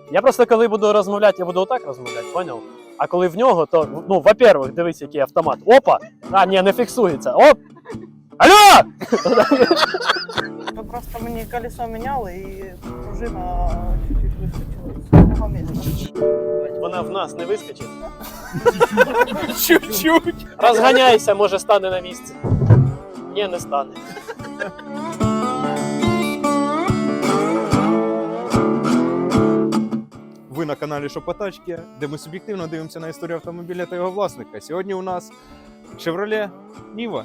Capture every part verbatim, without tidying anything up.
Я просто коли буду розмовляти, я буду отак розмовляти, поняв? А коли в нього, то, ну, во-первых, дивись, який автомат. Опа! А, ні, не фіксується. Оп! Алло! Просто мені колесо міняли і пружина чуть-чуть вискочила з одного місця. Вона в нас не вискочить. Чуть-чуть. Розганяйся, може стане на місці. Ні, не стане. Ви на каналі Шопотачки, де ми суб'єктивно дивимося на історію автомобіля та його власника. Сьогодні у нас Chevrolet Niva.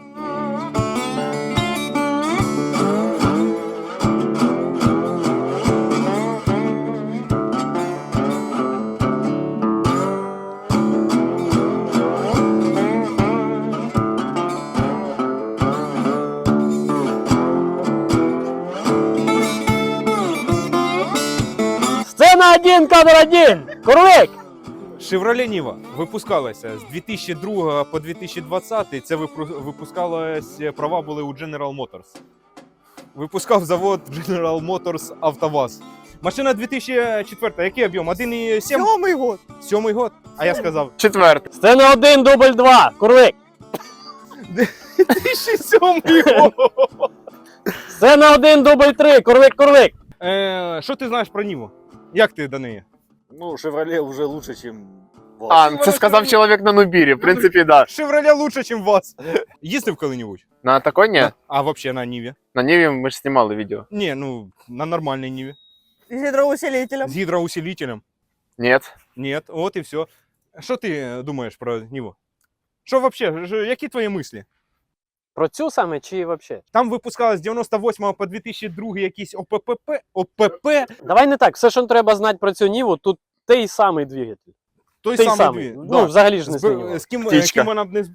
Сцена один, кадр один! Курлик! Chevrolet Niva випускалася з дві тисячі другого по дві тисячі двадцятий. Це випу- випускалось, права були у General Motors. Випускав завод General Motors АвтоВАЗ. Машина дві тисячі четвертий. Який об'єм? один і сім? Сьомий год. Сьомий год? А я сказав. Четвертий. Сцена один, дубль два! Курлик! дві тисячі сьомий год. Сцена один, дубль три! Курлик, курлик! Е, Що ти знаєш про Ніву? Як ти до неї? Ну, Шевроле уже лучше, чем ВАЗ. А, це сказав чоловік на Нубірі, в принципі, да. Chevrolet лучше, ніж вас. Їздив коли-небудь? На такой ні? На- А взагалі на Ніві? На Ниві ми ж знімали відео. Ні, ну на нормальній Ніві. З гідроусилителем. З гідроусилителем. Ні. Ні, от і все. Що ти думаєш про Ніву? Що взагалі, які твої мислі? Про цю саме чи взагалі? Там випускалось з дев'яносто восьмого по дві тисячі другий якісь ОПП, ОПП, Давай не так, все, що треба знати про цю Ніву, тут той самий двигатель. той Той самий. самий. дві- Ну, да. взагалі ж не З, змінював. з, ким, з Птічка. ким вона б не... з-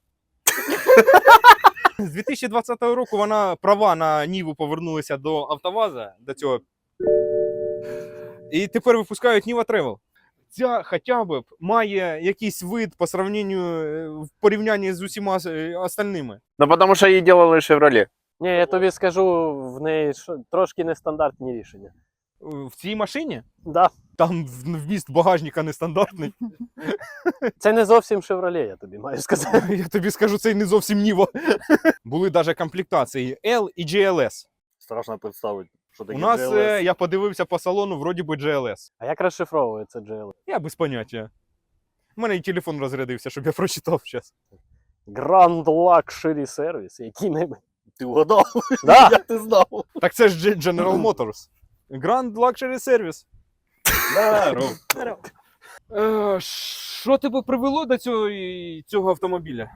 З дві тисячі двадцятого року вона права на Ніву повернулися до АвтоВАЗа, до цього. І тепер випускають Niva Travel. Ця хоча б має якийсь вид по сравненню, е, в порівнянні з усіма е, остальними. Ну, тому що її делали Шевроле. Ні, я тобі скажу, в неї шо- трошки нестандартні рішення. В цій машині Да. там в- вміст багажника нестандартний. Це не зовсім Chevrolet, я тобі маю сказати. Я тобі скажу, це й не зовсім Niva. Були навіть комплектації L і джі ел ес. Страшно представити, що таке У нас, е, я подивився по салону, вроді би джі ел ес. А як розшифровується джі ел? Я без поняття. У мене і телефон розрядився, щоб я прочитав зараз. Grand Luxury Service, який-небудь. Ти вгадав? Да. Як ти знав? Так це ж Ge- General Motors. Grand Luxury Service. Здорово. Е, Що тебе привело до цього, і- цього автомобіля?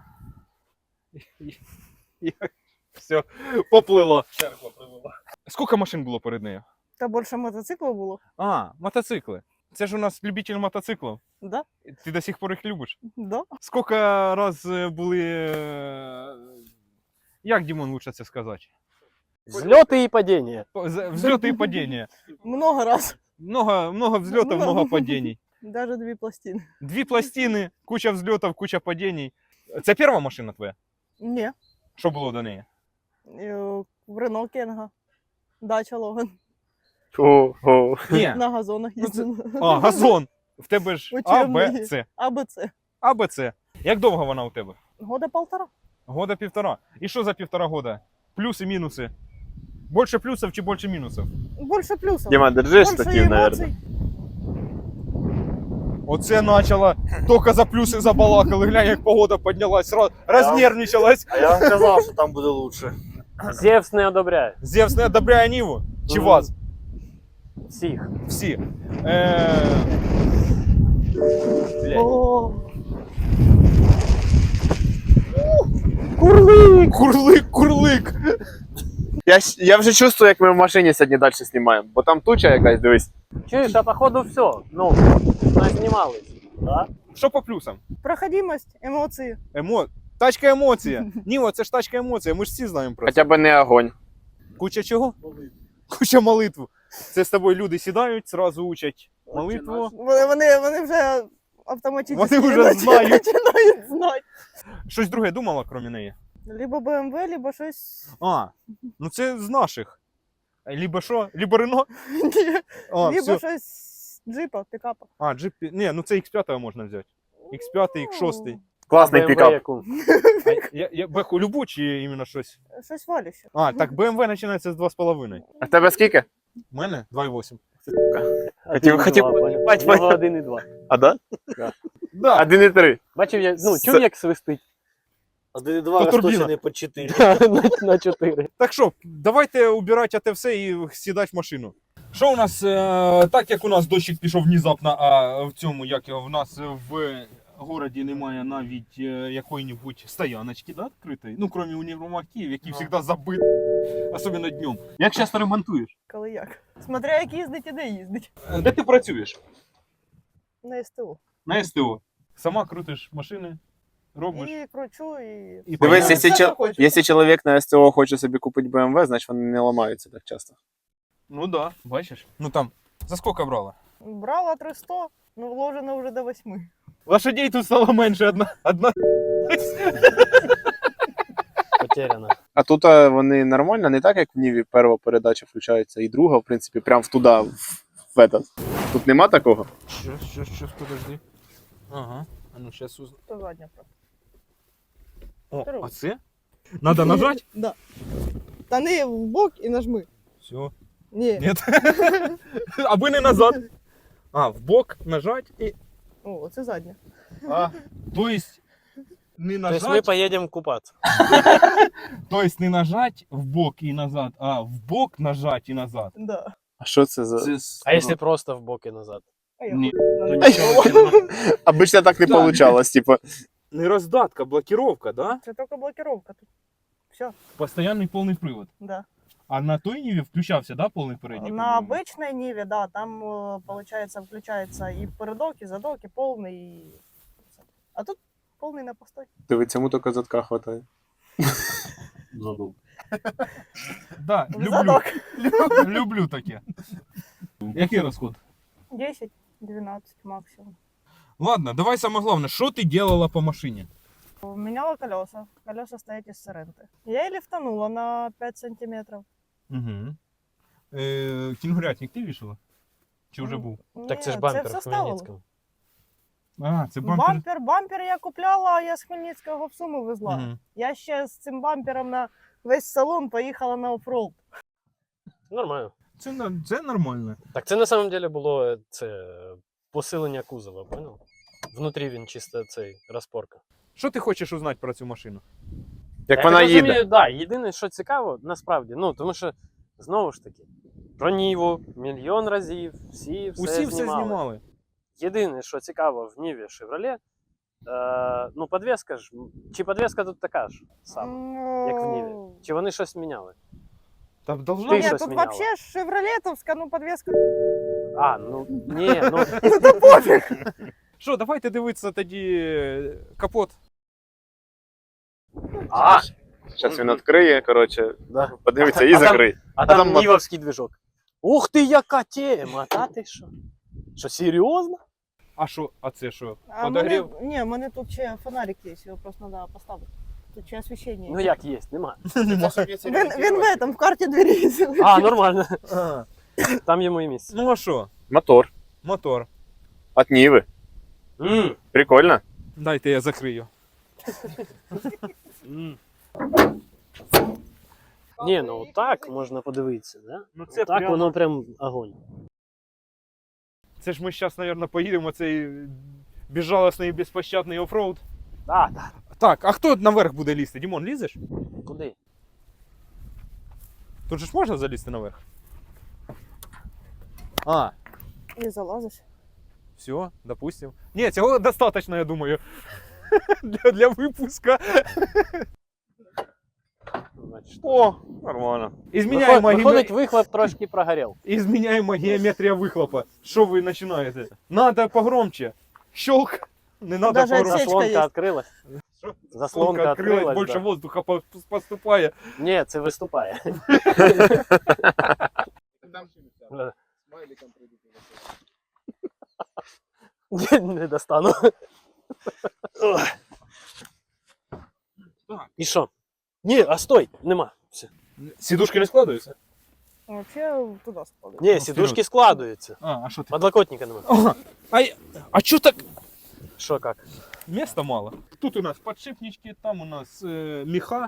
Все, поплило. Скільки машин було перед нею? Та більше мотоциклів було. А, мотоцикли. Це ж у нас любитель мотоциклів. Да? Ти до сих пор їх любиш? Да. Скільки раз е, були. е, Як, Дімон, лучше це сказати? Зльоти і падіння. З- Взлеты і падіння. Много раз. Много, много взлетов, много падений. Даже дві пластини. Дві пластини, куча взлетов, куча падений. Це перша машина твоя? Ні. Що було до неї? Е, В Рено Кенга. Дача Логан. Ого. Ні. На газонах Ну, це- їздила. А, газон. В тебе ж А, Б, Учебний. С. А Б Ц. А, Б, С. Як довго вона у тебе? Года полтора. Года півтора. І що за півтора года? Плюси, мінуси. Більше плюсів чи більше мінусів? Більше плюсів. Діма, держи Більше штатив, мабуть. емоцій. Оце почало. Тільки за плюси забалакали. Глянь, як погода піднялась, роз- рознервничалась. А я вам казав, що там буде лучше. Зевс не одобряє. Зевс не одобряє Ніву? Чи Мгм. вас? Всіх. Всі. Е... Блядь. О, Курлик! Курлик, курлик. Я, щ- я вже чувствую, як ми в машині сьогодні далі знімаємо. Бо там туча якась, дивись. Чуєш, а походу все. Ну, назнімались. Да? Що по плюсам? проходимость, емоції. Емо... Тачка емоція. Ніво, це ж тачка емоція, ми ж всі знаємо про це. Хоча б не огонь. Куча чого? Куча молитву. Це з тобою люди сідають, зразу учать молитву. Вони, вони, вони вже автоматично Вони вже знають. починають знати. Щось друге думала, крім неї? Либо Б М В, либо щось. А, ну це з наших. Либо що? Либо Рено? Ні. А, Либо все. щось Джипа, пікапа. А, джип. Ні, ну це ікс п'ять можна взяти. ікс п'ять, ікс шість. Класний BMW пікап. яку? А я, я беху любу чи іменно щось? Щось валюще. А, так бэ эм вэ починається з два з половиною. А в тебе скільки? У мене два і вісім. Хотів- хотів бать, поняв. один і два. А да? Да. один і три. Бачив, я, ну, С- чув, як свистить один і два То турбіна. розточений по чотири. на, на чотири. Так що, давайте убирати те все і сідати в машину. Що у нас, е, так як у нас дощик пішов внезапно, а в цьому, як його, в нас в городі немає навіть е, якої-небудь стояночки, да, відкритої, ну, крім універмагів, які завжди забиті, особливо днем. Як часто ремонтуєш? Коли як. Смотря як їздить і де їздить. Е, Де ти працюєш? На СТО. На СТО. Сама крутиш машини, робиш. І кручу, і... І Дивись, понятно. якщо, Все, чо- що хочеш. якщо чоловік на СТО хоче собі купити бэ эм вэ, значить вони не ламаються так часто. Ну да, бачиш. Ну там, за скільки брала? Брала триста, ну вложено вже до восьми. Лошадей тут стало менше, одна. одна. Потеряно. А тут а, вони нормально, не так, як в Ніві перша передача включається, і друга, в принципі, прям в туди, в, в этот. Тут нема такого? Що, що, що, подожди. Ага, а ну зараз узна. То задня просто. О, Здорово. а це? Надо нажать? Да. Та не в бок і нажми. Все. Ні. Нет. Аби не назад. А, в бок нажать і. О, це задня. А, то есть не То есть мы нажать, поедем купаться. то есть не нажать в бок і назад, а в бок нажать і назад. Да. А що це за. А если просто в бок и назад? А я Ні. То хуй. ничего. Обично так не Да. получалось, типа. Не роздатка, блокировка, да? Це тільки блокировка тут. Все, Постоянний повний привод. да. А на той Ниві включався, да, повний передній? На по-моєму? обычной Ниве, да, там, э, получается, включается и передок, и задок, и полный, и... А тут полный на постой. Диви, цьому тільки задка хватає. Да, В люблю, задок. люблю таке. Який розход? десять-двенадцать максимум. Ладно, давай саме головне, що ти делала по машині? Меняла колеса. Колеса стоят из соренты. Я и лифтанула на пять сантиметров. Угу. Е, кінгурятник ти вішала? Чи вже був? Так це ж Ні, бампер все в ставило. Хмельницькому. А, це бампер. Бампер, бампер я купляла, а я з Хмельницького в Суми везла. Мгм. Я ще з цим бампером на весь салон поїхала на оффроуд. Нормально. Це, на- це нормально. Так це на самом деле було е, це посилення кузова, понял? Внутрі він чисто цей розпорка. Що ти хочеш узнати про цю машину? Як Я вона так розумію, їде. Да, єдине, що цікаво, насправді, ну, тому що, знову ж таки, про Ніву мільйон разів, всі все Усі все знімали. знімали. Єдине, що цікаво в Ніві Chevrolet, е, ну, подвеска ж, чи подвеска тут така ж сама, як в Ніві? Чи вони щось міняли? Там должно Ти Ні, щось тут міняла? вообще шевролетовська, ну подвеска. А, ну, ні, ну, Ну то пофіг. Що, давайте дивитися тоді е, капот. а, Зараз він відкриє, коротше, да. подивиться і А там- закриє. А А там, там мо- нівовський движок. Ух ти, яка тема, та ти що? Що, серйозно? А що, а це що? А мене, Подогрів? ні, у мене тут ще фонарик є, його просто треба поставити. Тут ще освіщення. Ну як є, нема. Він, він в этом, в карті двері. А, нормально. А, Там йому і місце. ну а що? Мотор. Мотор. От Ніви. М, Прикольно. Дайте я закрию. м. Ні, ну так можна подивитися, да? Ну це Так прям- воно прям огонь. Це ж ми зараз, мабуть, поїдемо цей безжалосний і безпощадний оффроуд. Да, да. Так, а хто наверх буде лізти? Дімон, лізеш? Куди? Тут же ж можна залізти наверх? А, І залазиш. все, допустим. Ні, цього достатньо, я думаю. Для, для випуска. Значить, О, нормально. Ізміняємо, Виход- Виходить, геоме- вихлоп трошки прогорів. Ізміняємо геометрія вихлопа. Що ви починаєте? Надо погромче. Щелк. Не надо Даже погромче. отсечка Заслонка є. відкрилась. Що? Заслонка Открылась, відкрилась. більше Да. воздуха по- поступає. Ні, це виступає. Да. Не- Не достану. Так. І що? Ні, а стой, нема. Все. Сідушки не складаються? Вообще туда складывают. Ні, Ну, сідушки вперед. складуються. А, а що ти? Подлокотника немає. Ага. А, я- а чо так? Що як? Места мало. Тут у нас подшипнички, там у нас е, міха.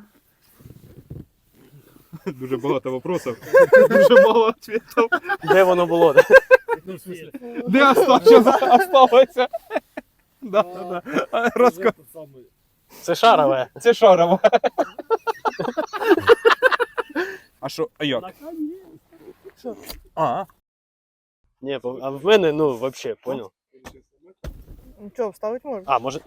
Дуже багато вопросів. Дуже мало відповідей. Де воно було? Ну, в смысле, Де оста- осталося? Да, да, да. Розка... этот самый. Це шарове. Це шарово. А що, а як? А, Ні, по- а в мене, ну, вообще, понял? Ну что, вставить можно? А, може.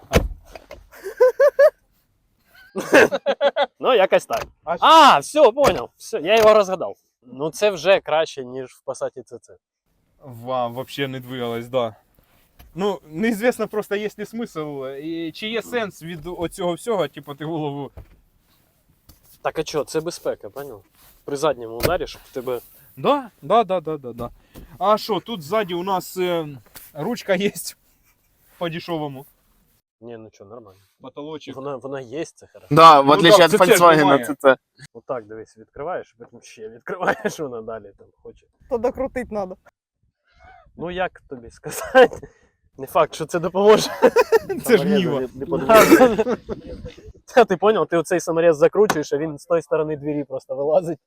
Ну, якось так. А А, все, понял. Все, я його розгадав. Ну, це вже краще, ніж в Passat це це. Вам вообще не двигалось, да. Ну, неізвісно просто, є ли смисл, і чи є сенс від оцього всього, типу, ти голову. Так а що, це безпека, понял? При задньому ударі, щоб в тебе. Да, да, да, да, да, да. А що, тут ззаді у нас е, ручка є по-дешевому. Ні, ну що, нормально. Потолочок. Вона, вона є, це хорошо. Да, в Ну отличие да, від це теж Volkswagen, немає. це це. Отак, дивись, відкриваєш, потім ще відкриваєш, вона далі там хоче. То докрутить надо. Ну як тобі сказати? Не факт, що це допоможе. Це ж Ніва. Не- не подумав. Та ти поняв, ти оцей саморез закручуєш, а він з тої сторони двері просто вилазить.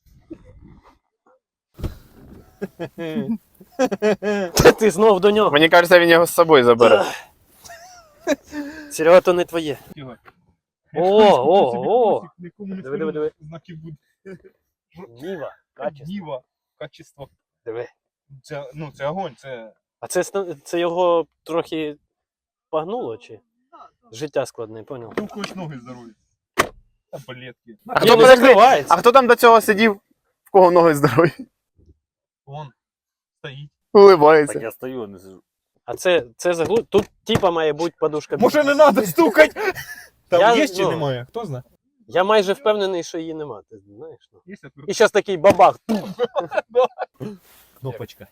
Та ти знов до нього. Мені кажеться, він його з собою забере. Серега, то не твоє. О, о, о. Диви, диви, диви. Знаки буде. Ніва, качество. Ніва, качество. Диви. Це, ну, це огонь, це... А це, ста- це його трохи погнуло, чи? Життя складне, поняв? Ну, когось ноги здорові. Таблетки. А Ні, хто, не подожди, закривається. а хто там до цього сидів? В кого ноги здорові? Вон, стоїть. Уливається. Так я стою, а не сижу. А це, це заглу... Тут типа має бути подушка. Може не треба стукати? Там Я, є чи ну, немає? Хто знає? Я майже впевнений, що її нема, ти знаєш. Ну. Є отвертка. І зараз такий бабах. Кнопочка.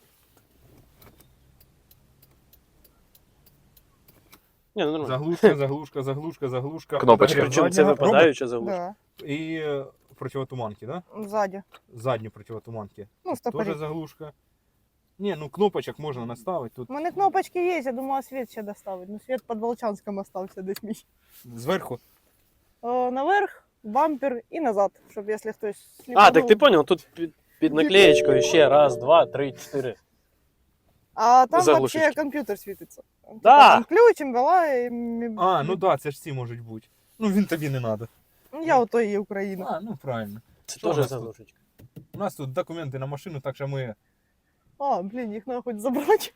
Ні, ну нормально. Заглушка, заглушка, заглушка, заглушка. Кнопочка. Передня Причому це задня, випадаюча заглушка. Да. І е, противотуманки, да? Сзади. Задні противотуманки. Ну, Тоже стопорик. заглушка. Не, ну кнопочок можна наставити. Тут У мене кнопочки є, я думала світ ще доставить. Ну світ під Волчанськом остався десь мій. зверху. О, наверх, бампер і назад, щоб якщо хтось сліпанув. А, так ти понял, тут під, під наклеєчкою ще раз, два, три, чотири. А там Заглушечки. вообще комп'ютер світиться. Там, Да. Там ключ, імбела і... м- А, ну да, це ж ці можуть бути. Ну він тобі не треба. Ну, я ото і є Україна. А, ну правильно. Це Що у теж нас тут? заглушечка. У нас тут документи на машину, так що ми. А, блін, їх треба хоч забрати.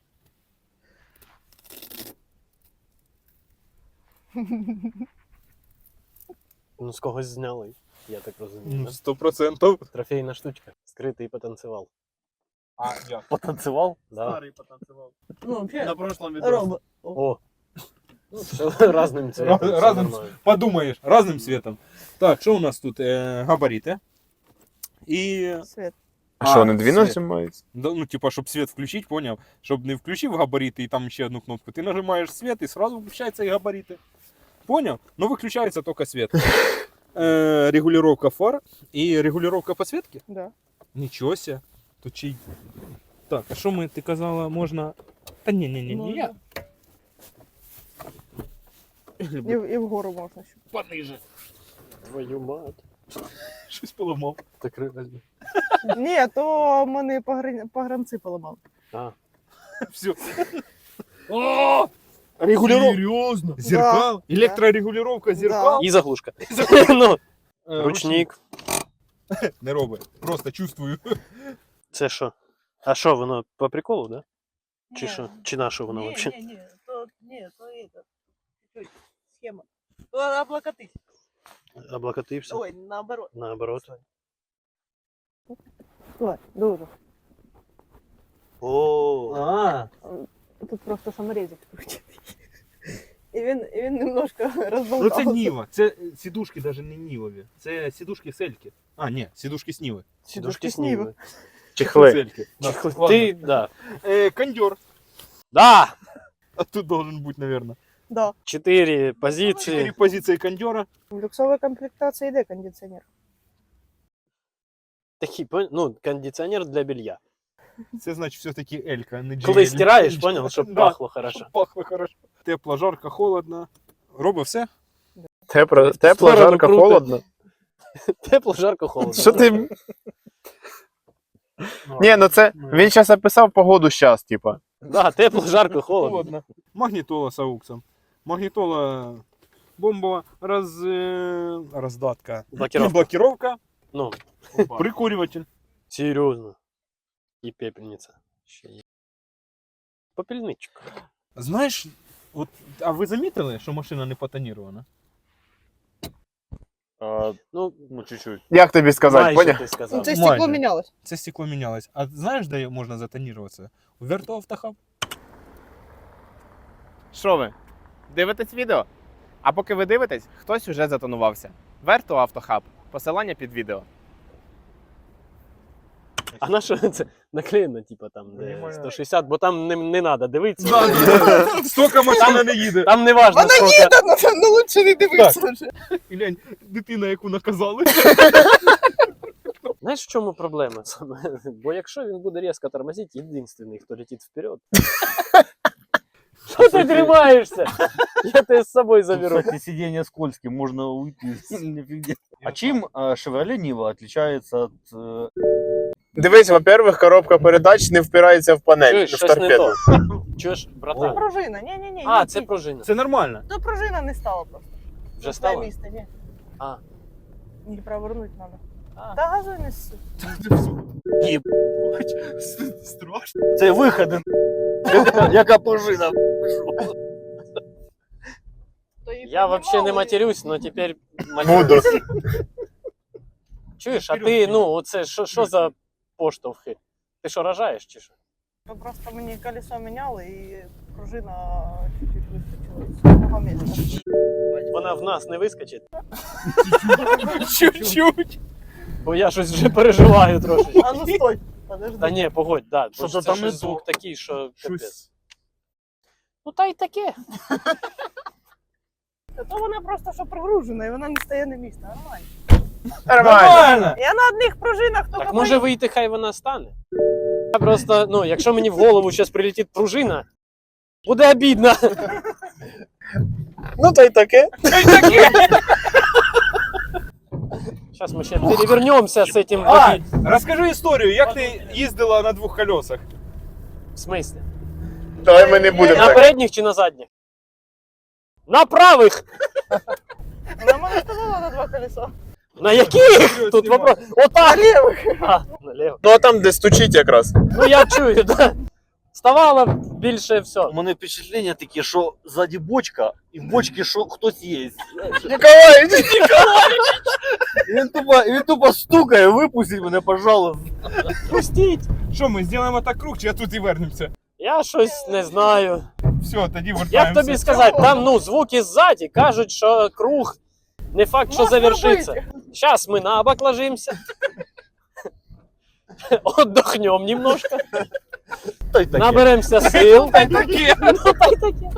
Ну, з когось зняли, я так розумію. Ну, да? сто процентів. Трофейна штучка. Скритий потанцював. А, я. Потанцював? Да. потанцевал. Ну, вообще, На прошлом видосе. робот. О. Ну, все разним цветом. Раз- все разним нормально. Подумаєш, разним світом. Так, що у нас тут? Е, габарити. І. Світ. А що, не А, дві світ. нажимаються? Да, ну, типа, щоб світ включити, поняв? Щоб не включив габарити і там ще одну кнопку. Ти нажимаєш світ і сразу включаються і габарити. Поняв? Ну, виключається тільки світ. Е, регулювання фар і регулювання підсвітки. Да. Нічого ся. Тут чи... Так, а що ми, ти казала, можна... Та ні, ні, ні, ні, я... І, в- і вгору можна ще. Пониже. Твою мать. Щось поламав. Так разве? Ні, то мене погран... погранці поламали. А. Все. О! Регулювання. Серйозно? Зеркал. Да. Електрорегулювання зеркал. І заглушка. Ну, Е, ручник. Не роби. Просто чувствую. Це що? А що, воно по приколу, да? Чи Ні. що? Чи на що воно Ні, взагалі? ні, ні, то, ні, то это, чуть-чуть, схема. То облокотить. Облокотився? Ой, наоборот. Наоборот. Ой, дуже. О, А. Тут просто саморезик крутить. І він, і він немножко Ну розболтався. це Ніва. Це сідушки навіть не Нівові. Це сідушки Сельки. А, ні, сідушки з Ніви. сідушки Сніви. сніви. Чехли. Сельки. Да, Чехли. ладно. Ти, да. Е, кондер. Да! А тут должен бути, наверное. Да. Чотири Чотири позиції. позиції кондера. В люксовій комплектації йде кондиціонер. Такий, пон- ну, кондиціонер для белья. Це значить все-таки Елька, не Коли Джі Ель. стираєш, понял, щоб Да, пахло хорошо. щоб пахло хорошо. Тепло, жарко, холодно. Робить все? Тепло, тепло Сторону жарко, круто. холодно. Тепло, жарко, холодно. Що ти. Ні, ну це. Він зараз описав погоду щас, типа. Да, тепло, жарко, холодно. Холодно. Магнітола з ауксом. Магнітола бомбова роз... е, роздатка. Блокировка. Блокировка. Ну, Прикурюватель. серйозно. І пепельниця. Ще є. Попільничок. Знаєш, от, а ви замітили, що машина не потонірована? А, Ну, ну, чуть-чуть. Як тобі сказати, майже поняв? ти Ну, сказав. це Майже. стекло мінялось. Це стекло мінялось. А знаєш, де можна затоніруватися? У Вертоавтохаб. Що ви? Дивитесь відео? А поки ви дивитесь, хтось уже затонувався. Верто Автохаб. Посилання під відео. А на що це наклеєно, типа там де Понімаю. сто шістдесят, бо там не, не треба дивитися. Стільки машина не їде. Там не важно, Вона скільки. їде, ну, ну лучше не дивитися вже. І глянь, дитина, яку наказали. Знаєш, в чому проблема саме? Бо якщо він буде різко тормозити, єдиний, хто летить вперед. Що ти тримаєшся? Я тебе з собою Тут, заберу. кстати, сиденье скользкие, можно уйти. Нифига. А чем э, Chevrolet Niva отличается от... э, Дивись, во-первых, коробка передач не впирається в панель, Чуєш, в щось не торпеду. то. Чуєш, Це братан? пружина, ні-ні-ні. А, ні, це ні. пружина. Це нормально. То пружина не стала просто. Вже На своє стало? місце, ні. А. Її провернути треба. А. Та газуй не ссу. Страшно. Це виходи. Яка- Яка пружина. То її Я вообще не піднімали. матерюсь, но тепер Буду. матерюсь. Чуєш, а ти, ну, оце що, що за поштовхи? Ти що, рожаєш чи що? То просто мені колесо міняли і пружина чуть-чуть вискочила з одного місця. Вона в нас не вискочить, Чуть-чуть. бо я щось вже переживаю трошки. А ну стой, подожди. Та ні, погодь, да, бо Що-то це там щось не звук то. такий, що капець. Щось. Ну та й таке. Та то вона просто що прогружена, і вона не стає на місце. Нормально. Нормально. Я на одних пружинах тільки Так може вийти, хай вона стане. Я просто, ну, якщо мені в голову зараз прилетить пружина, буде обідно. Ну та й таке. Зараз ми ще перевернемося з цим. А, розкажи історію, як ти їздила на двох колесах? В смислі? Давай ми не будемо На так. передніх чи на задніх? На правих! Вона мене ставила на два колеса. На яких? Тут вопрос. Отак! А, наліво. Ну а там, де стучить якраз. Ну я чую, да. Ставало більше все. У мене впечатлення таке, що ззаді бочка, і в бочці що хтось є. Ніколаївич! І він тупо, і він тупо стукає, випустіть мене, пожалуйста. Пустіть! Що, ми зробимо так круг, чи я тут і вернемося? Я щось не знаю. Все, тоді Як вертаємося. тобі сказати, там ну звуки ззаді кажуть, що круг не факт, що Можна завершиться. робити. Зараз ми на бок ложимося. Отдохнем немножко. Та й таке. Наберемося сил. Та й таке. Ну, та й таке.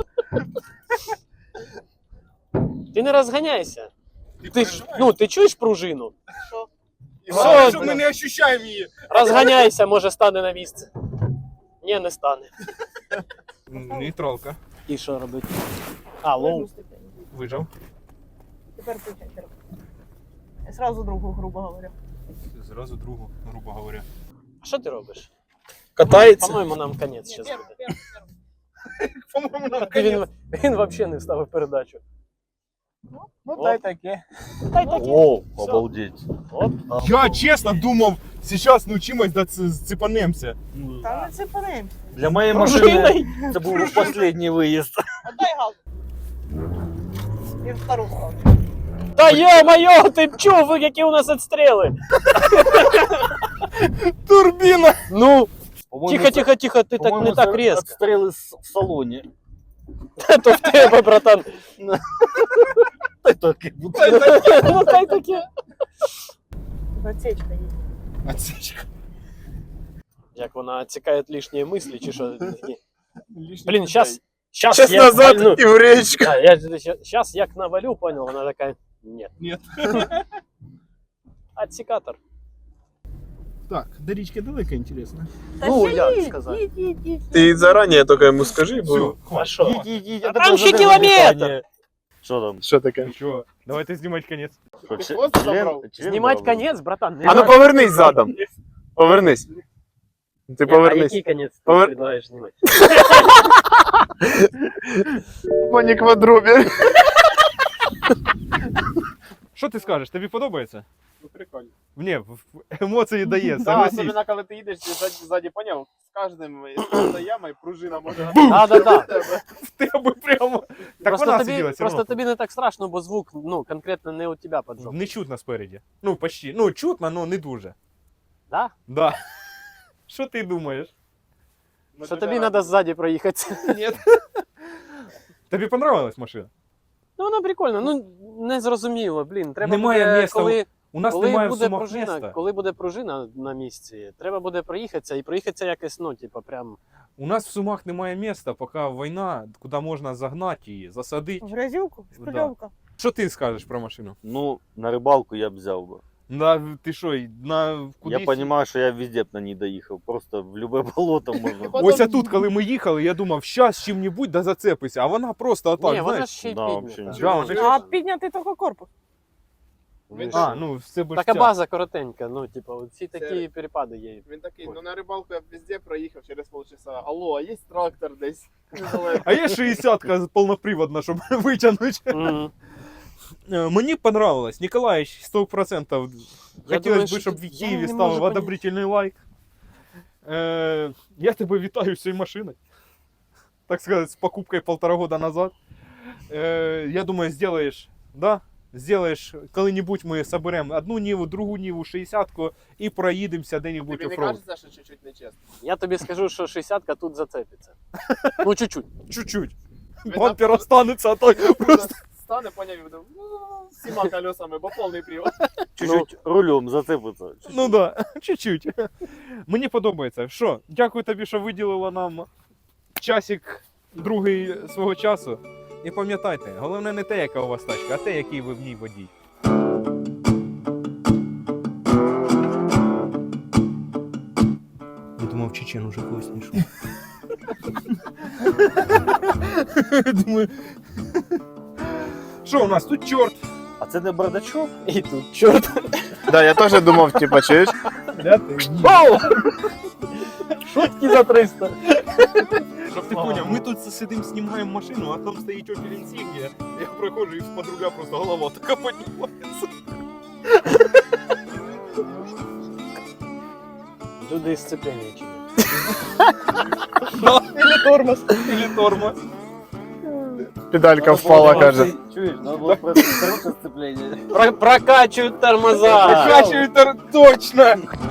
Ти не розганяйся. Ти, ж- ну, ти чуєш пружину? Що? Все, Що ми не ощущаємо її. розганяйся, може стане на місце. Ні, не стане. Нейтралка. І що робити? А, лоу. Вижав. Тепер включай. Я сразу другу, грубо говоря. Зразу другу, грубо говоря. А що ти робиш? Катається. По-моєму, нам конець зараз буде. По-моєму, нам Ти Він, він взагалі не вставив передачу. Ну та й таке. Та й таке. О, Все. обалдеть. Оп. Я чесно думав, зараз навчимось да ц- цепанемося. Там не цепанемся. Для моєї машини Пружиною. це був останній виїзд. Отдай газ. І в втору сторону. Та йо-моє, ти б чув, які у нас відстріли. Турбіна! Ну, По-моєму, тихо, це- тихо, тихо, ти так по-моєму, не так це різко. Обстріли з- в салоні. То в тебе, братан. Та й таке. Ну, та й таке. Отсечка є. Отсечка. Як вона відсікає лишні мислі, чи що? Блін, зараз... Сейчас Час я назад вальну. і в річку. Да, я сейчас як навалю, понял, она такая, нет. Нет. Отсекатор. Так, до річки далеко, інтересно. Ну, як сказати. Ти зарані тільки йому скажи, Все, бо А що? Їдь, їдь, їдь, а Там тепер ще задай кілометр! питання. Що там? що таке? Що, давайте знімати кінець. Що, Ти чи- хвост член- забрав? член Знімати брав? конець, братан. не А ну надо. повернись задом. Повернись. Ти А повернись. який конець ти Повер- предлагаєш знімати? Пані квадробі. Що ти скажеш, тобі подобається? Ну прикольно. Ні, в- в- емоції дає, Да, согласись. особливо, коли ти їдеш, ти ззаді, ззаді поняв, з кожним з ями пружина може. Да, да, да. В тебе прямо. Так Просто вона тобі, сиділа все просто одно. тобі не так страшно, бо звук, ну, конкретно не у тебе поджог. Не чутно спереді. Ну, почти. Ну, чутно, але не дуже. Да? Да. Що ти думаєш? Що тобі треба ззаді проїхати. Ні. Тобі понравилась машина? Ну, вона прикольна, ну, не зрозуміло, блін. Треба Немає буде, місця коли, У нас коли немає в буде Сумах пружина, міста. коли буде пружина на місці, треба буде проїхатися і проїхатися якось, ну, типу, прям. У нас в Сумах немає міста, поки війна, куди можна загнати її, засадити. В грязюку, шпильовка. Що ти скажеш про машину? Ну, на рибалку я б взяв би. На, ти що, на кудись? Я розумію, що я везде б на ній доїхав. Просто в любе болото можна. Ось тут, коли ми їхали, я думав, щас чим-небудь да зацепися, а вона просто отак, Ні, вона знаєш. ще й Да, піднята. взагалі Да, вона ж- А підняти тільки корпус. Він А, ще- ну, все б Така база коротенька, ну, типу, ці такі Це- перепади є. Він такий, ну на рибалку я б везде проїхав через полчаса. Алло, а є трактор десь? А є шістдесятка повноприводна, щоб витягнути. Мгм. Е, Мені понравилось. Ніколаїч, сто відсотків. Я Хотілося думаю, б, що щоб в я Києві не ставив можу поняти. одобрительний лайк. Е, Я тебе вітаю з цією машиною. Так сказать, з покупкою полтора года назад. Е, Я думаю, сделаешь, да? Сделаешь, коли-небудь ми соберемо одну Ниву, другу Ниву, шістдесятку і проїдемося де-небудь Тобі не оффроуд. кажеться, що чуть-чуть нечесно? Я тобі скажу, що шістдесятка тут зацепиться. Ну, чуть-чуть. Чуть-чуть. Ви Бампер там- останеться, а то просто... Стане, поняв, і буде «Ну, з всіма колесами, бо повний привод. Чуть-чуть рулем зацепиться. Ну да, чуть-чуть. Мені подобається. Що, дякую тобі, що виділила нам часик другий свого часу. І пам'ятайте, головне не те, яка у вас тачка, а те, який ви в ній водій. Я думав, Чечен уже когось знайшов. Думаю. Що у нас тут чорт? А це не бардачок? І тут чорт. Да, я теж думав, типа, чуєш? Шутки за триста. Щоб ти поняв, ми тут сидимо, знімаємо машину, а там стоїть Opel Insignia. Я проходжу і з-под руля просто голова така піднімається. Люди із сцеплення чи ні? Или тормоз. Или тормоз. Педалька впала, каже. Чуєш, надо було просто коротше сцеплення. Про- Прокачують тормоза. Прокачивает тор- точно.